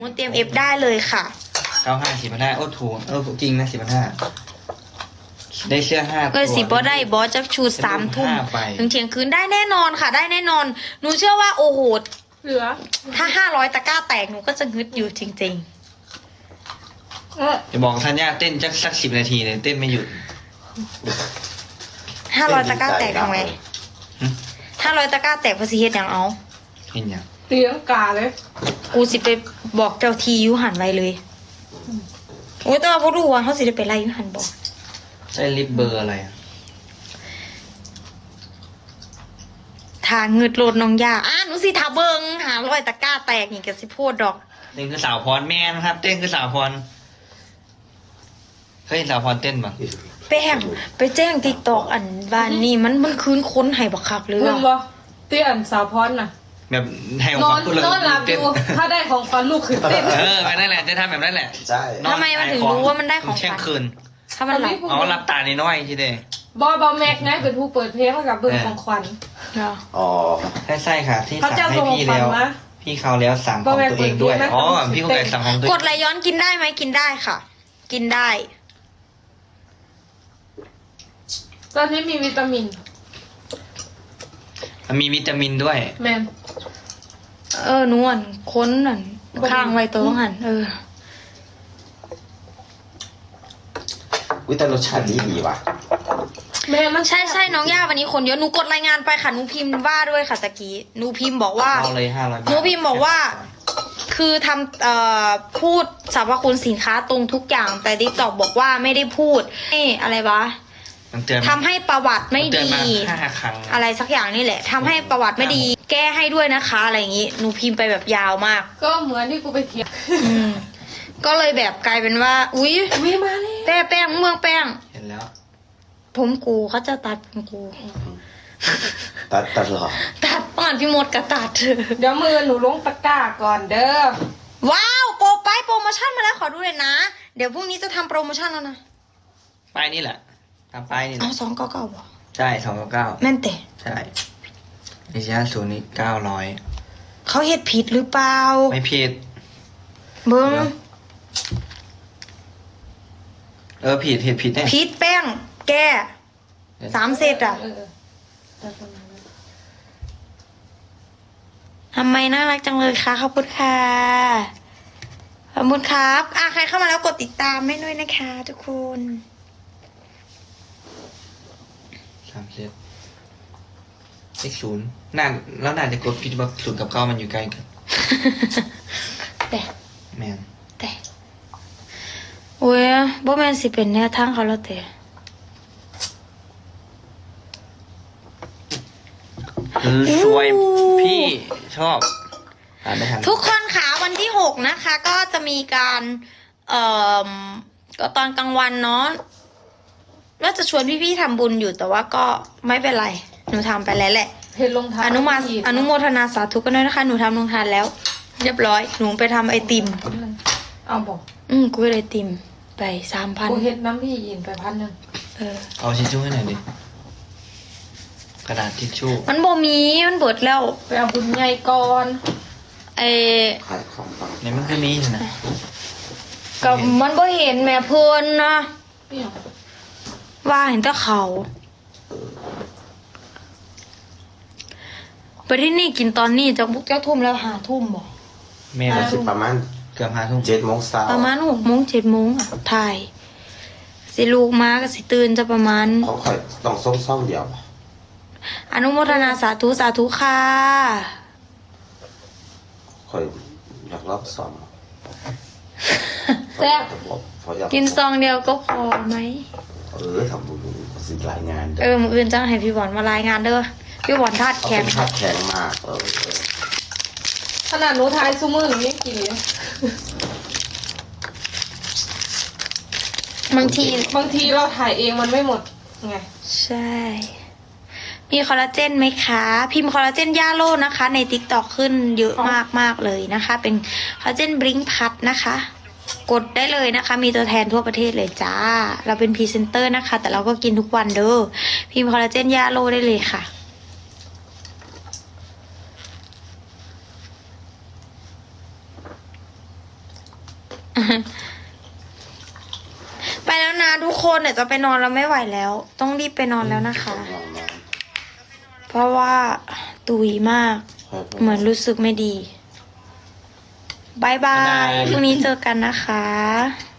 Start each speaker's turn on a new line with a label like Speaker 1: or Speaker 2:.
Speaker 1: เตรียมเอฟได้เลยค่ะ
Speaker 2: 95 4,500โอ้ถูกจริงนะ4,500ได้เสื้อ5 ตัว
Speaker 1: สิบอได้บอสจะชู3 ทุ่มถึงเที่ยงคืนได้แน่นอนค่ะได้แน่นอนหนูเชื่อว่าโอ้โห
Speaker 3: เหลือ
Speaker 1: ถ้า500 ตะกร้าแตกหนูก็จะงึดอยู่จริง
Speaker 2: จะบอกธัญญาเต้นสัก10 นาทีเลยเต้นไม่หยุด
Speaker 1: 500 ตะกร้าแตกทำไง500 ตะกร้าแตกภาษีเฮ็ดอย่างเอา
Speaker 2: เห็นยัง
Speaker 3: เตียงกาเลย
Speaker 1: กูสิไปบอกเจ้าทียุหันไว้เลยโอ้ยแต่ว่าพวกรู้ว่าเขาสิได้ไปไล่ยุหันบอก
Speaker 2: ใช่ลิปเบอร์อะไร
Speaker 1: ทางเงืดโลดน้องยาหนูสิทาเบิง500 ตะกร้าแตกนี่ก็สิพูดดอก
Speaker 2: เต้นคือสาวพรแม่นะครับเต้นคือสาวพรเคยเห็นสาวพรเต้นป่ะ
Speaker 1: แป้งไปแจ้งติ๊กตอกอันบ้านนี่มันคืนค้นให้บักคักเลย
Speaker 3: มึงบ่เตี้ยนสาวพรน่ะ
Speaker 2: แบบให้ของขวัญ
Speaker 3: นอนหลับอยู่ถ้าได้ของขวัญลูกคือเต้น
Speaker 2: แบบนั้นแหละจะทำแบบนั้นแหละ
Speaker 4: ใช่
Speaker 1: ทำไมมันถึงรู้ว่ามันได้ของขวัญ
Speaker 2: คืน
Speaker 1: ถ้ามันหลับ
Speaker 2: หลับตานิดน้อยทีเดียว
Speaker 3: บอแม็กไงเป็นผู้เปิดเพลงให้กับเบิ้งของขวัญ
Speaker 4: อ๋อ
Speaker 2: ใช่ค่ะที่สั่งให้พี่แล้วพี่เขาแล้วสั่งของตัวเองด้วยพี่กุ๊กไก่สั่งของตัวเอง
Speaker 1: กดไหลย้อนกินได้ไหมกินได้ค่ะกินได้
Speaker 3: ตอนนี้มีวิตามิน
Speaker 2: ด้วย
Speaker 3: แมน
Speaker 1: นวลค้นนั่นข้างไว้ตัวหัน
Speaker 4: แต่รสชาติดีว่ะ
Speaker 3: แม่มัน
Speaker 1: ใช่น้องย่าวันนี้คนเยอะหนูกดรายงานไปค่ะหนูพิมพ์ว่าด้วยค่ะตะกี้หนูพิมพ์บอกว่า
Speaker 2: เอาเลย500 บาท
Speaker 1: หนูพิมพ์บอกว่าคือทำพูดสรรพคุณสินค้าตรงทุกอย่างแต่ดิ๊กตอกบอกว่าไม่ได้พูดอะไรวะทำให้ประวัติไม่ดีอะไรสักอย่างนี่แหละทำให้ประวัติไม่ดีแก้ให้ด้วยนะคะอะไรอย่างงี้หนูพิมพ์ไปแบบยาวมาก
Speaker 3: ก็เหมือนที่กูไปเถียง
Speaker 1: ก็เลยแบบกลายเป็นว่าอุ๊ย
Speaker 3: มาเลย
Speaker 1: แป้งเมืองแป้ง
Speaker 2: เห็นแล้ว
Speaker 1: ผมกูเขาจะตัดผมกู
Speaker 4: ตัดหรอ
Speaker 1: ตัดป่านพี่มดกับตัด
Speaker 3: เดี๋ยวมือหนูลงตะกร้าก่อนเด้อ
Speaker 1: ว้าวโปรโมชั่นมาแล้วขอดูเลยนะเดี๋ยวพรุ่งนี้จะทำโปรโมชั่นแล้วนะ
Speaker 2: ป้ายนี่แหละทำป้ายนี่
Speaker 1: อ๋อ299บ่
Speaker 2: ใช่299
Speaker 1: แม่นแต่
Speaker 2: ใช่ไอเชียศูนย์นี่900
Speaker 1: เขาเฮ็ดผิดหรือเปล่า
Speaker 2: ไม่ผิด
Speaker 1: เบิ้ง
Speaker 2: ผิดแน่
Speaker 1: ผิดแป้งแก้3 เซตอ่ะทำไมน่ารักจังเลยคะขอบคุณค่ะขอบคุณครับใครเข้ามาแล้วกดติดตามให้ด้วยนะคะทุกคน
Speaker 2: 3 เซตเลข0แล้วน่าจะกดผิดว่า0 กับ 9มันอยู่ใกล้กัน
Speaker 1: แต่
Speaker 2: แมน
Speaker 1: แต่โอ้ยบ่แม่นสิเป็นแนวทางเขาแล้วแต่
Speaker 2: สวยพี่ชอบ
Speaker 1: ทุกคนค่ะวันที่6นะคะก็จะมีการก็ตอนกลางวันเนาะว่าจะชวนพี่ๆทำบุญอยู่แต่ว่าก็ไม่เป็นไรหนูทำไปแล้วแหละ
Speaker 3: เห็นลงทาน
Speaker 1: อนุโมทนาสาธุกันด้วยนะคะหนูทำลงทานแล้วเรียบร้อยหนูไปทำไอติม
Speaker 3: เอาบอก
Speaker 1: กูไปไอติมไป3,000
Speaker 3: กูเห็นน้ำพี่ยินไป1,000
Speaker 2: เอาทิชชู่ให้หน่อยดิกระดาษทิชชู่
Speaker 1: มันบ่มีมันเบิดแล้ว
Speaker 3: ไปเอาบุญใหญ่ก่อน
Speaker 2: เนี่ยมันคือมีนะ
Speaker 1: กับมันบ่เห็นแม่เพิ่นนะว่าเห็นแต่เขาไปที่นี่กินตอนนี้จะทุ่มแล้ว5 ทุ่มบ่
Speaker 2: แม่
Speaker 4: ประมาณ
Speaker 2: เกือบ5 ทุ่ม
Speaker 4: 7 โมงเช้า
Speaker 1: ประมาณ6 โมง 7 โมงถ่ายสิลูกมาก็สิตื่นจะประมาณ
Speaker 4: เขาค่อยต้องซ่อมเดียว
Speaker 1: อนุโมทนาสาธุค่ะ
Speaker 4: ค่อยอยากรอบซ่อม
Speaker 1: แซ่บกินซองเดียวก็พอไหม
Speaker 4: ทำบุญสิรายงาน
Speaker 1: มื้ออื่นจ้างให้พี่บอลมารายงานเด้อพี่บอลธาตุแข็ง
Speaker 4: มาก
Speaker 3: ขนาดหนูทายซูมือหนูยังกินเลยบางทีเราถ่ายเองมันไม่หมดไง
Speaker 1: ใช่มีคอลลาเจนไหมคะพิมพ์คอลลาเจนย่าโลนะคะใน TikTok ขึ้นเยอะมากเลยนะคะเป็นคอลลาเจนบลิงพัดนะคะกดได้เลยนะคะมีตัวแทนทั่วประเทศเลยจ้าเราเป็นพรีเซนเตอร์นะคะแต่เราก็กินทุกวันเด้อพิมพ์คอลลาเจนย่าโลได้เลยค่ะไปแล้วนะทุกคนเดี๋ยวจะไปนอนแล้วไม่ไหวแล้ว ต้องรีบไปนอนแล้วนะคะ เพราะว่าตุยมาก เหมือนรู้สึกไม่ดีบายบายพรุ่งนี้เจอกันนะคะ